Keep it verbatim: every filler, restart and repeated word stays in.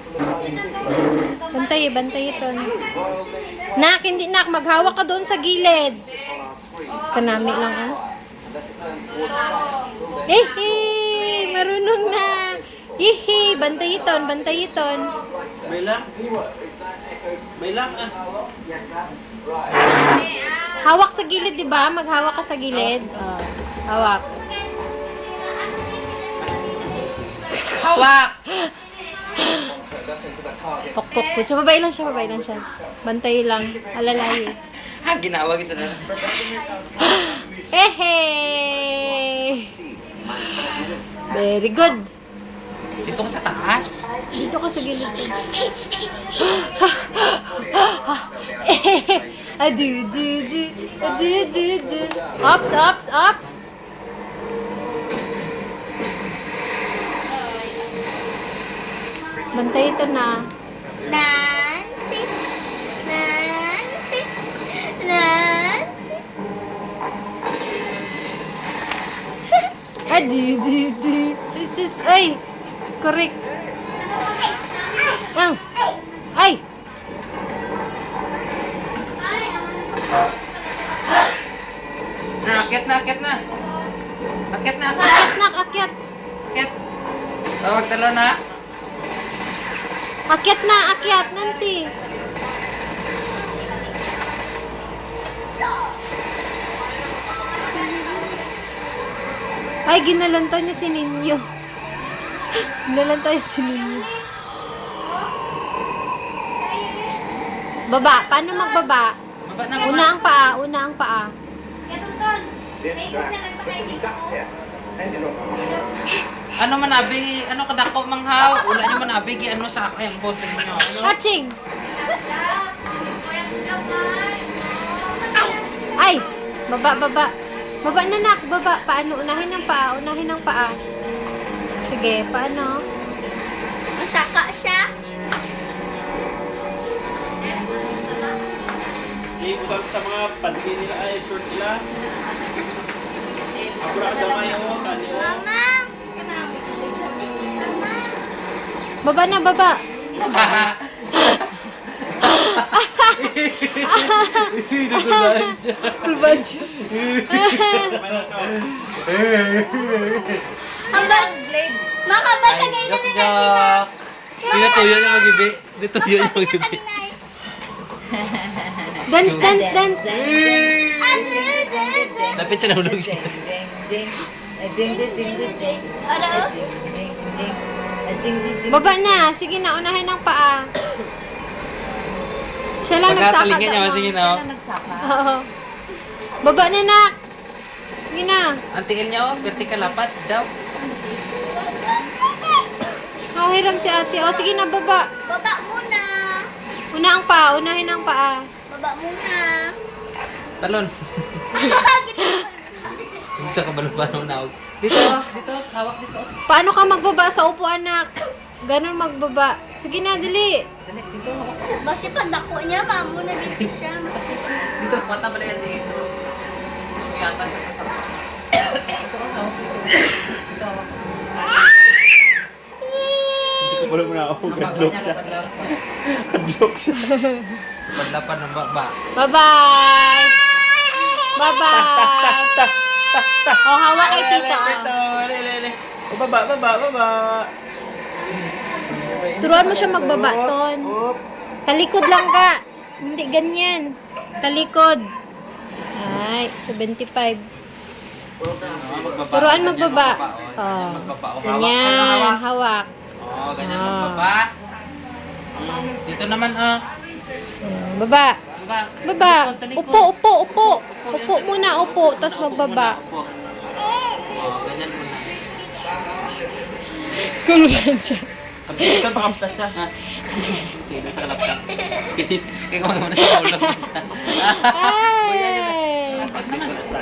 Bantay, bantay ito. Nak, hindi nak. Maghawak ka doon sa gilid. Kanami lang, ah. Eh, eh, marunong na. Hihi, bantay iton, bantay iton. May lang. May lang ah. Hawak sa gilid, di ba? Maghawak ka sa gilid. Oh, hawak. Hawak! Pok-pok po. So, babay lang siya, babay lang siya. Bantay lang. Alalay. Ha, ginawa isa na. Hehe! Very good. Dito ka sa taas. Dito ka sa gilid. Adu, du, du. Adu, du, du. Ops, ops, ops. Bantay ito na. Nancy, Nancy, Nancy. Adu, du, du. This is, ay, correct. Ang, ay. Akit na, akit na. Akit na, akit. Akyat nak, akyat. Akit. Tawag talo na. Akyat na, akyat, Nancy. Ay, ginalantaw niya si Ninyo. Ginalantaw niya si Ninyo. Baba. Paano magbaba? Baba na, Una baba. ang paa, una ang paa. Katuton, may na nagpakaibig ako. Ano man abi, ano kadako manghaw. Wala niyo man abi, ano sa akin ang bote niyo. Ano? Catching! Ay! Baba, baba. Baba na nak, baba. Paano? Unahin ang paa, unahin ang paa. Sige, paano? Masaka siya. Iibutang sa mga panty nila ay short nila. Abra ka damay o kanyo. Mama! Mama! Baba na, baba. Tulbad siya. Hambal! Maka ba tagay na ni Nancy na? Dito tuyo yung magibi. Dito tuyo yung magibi. Dance, dance, dance. Dapat siya nahulog siya. Ano? Baba na. Sige na, unahin ang paa. Siya lang nagsaka. Pagkatalingan niya, sige na. oh. Oo. Baba na, nak. Sige na. Ang tingin niya, oh, vertical lapat daw. Nakahiram si ate. O, sige na, baba. Baba muna. Una ang paa, unahin ang paa. Baba muna. Talon. Sa kabalubano na. Dito, oh, dito, hawak dito. Paano ka magbaba sa upuan, nak? Ganon magbaba. Sige na, dali. Dali, dito, hawak. Basta pag dako niya, mamo na dito siya. Mas Dito, mata balik yan dito. May atas sa kasama. Dito, oh, hawak dito. Dito, hawak. Wala mo na ako. Ang Gadlock niya, siya. paglapan. Gadlock siya. Paglapan ng baba. Bye-bye! Bye-bye! O, hawak kay tita. Ito, lele. O, baba, baba, baba. Turuan mo siya magbaba, Ton. Up. Talikod lang ka. Hindi ganyan. Talikod. Ay, seventy-five. Magbaba. Turuan magbaba. Oh, Oh. magbaba. Oh, hawak. Ganyan, Hawak. hawak. Oh, ganyan Ah. magbaba. Hmm, Dito naman, ah. Hmm, Baba. Baba. Baba. Talikod, talikod. Upo, upo, upo. Upo, Upo yan, muna, upo. Tapos Upo magbaba. muna, upo. Oh, ganyan muna. Kuluhan siya. Kapit ka, pakamtas siya. Ha? Okay, nasa kalaptan. Kaya kumagawa na sa ulo. Ay! Dapat naman.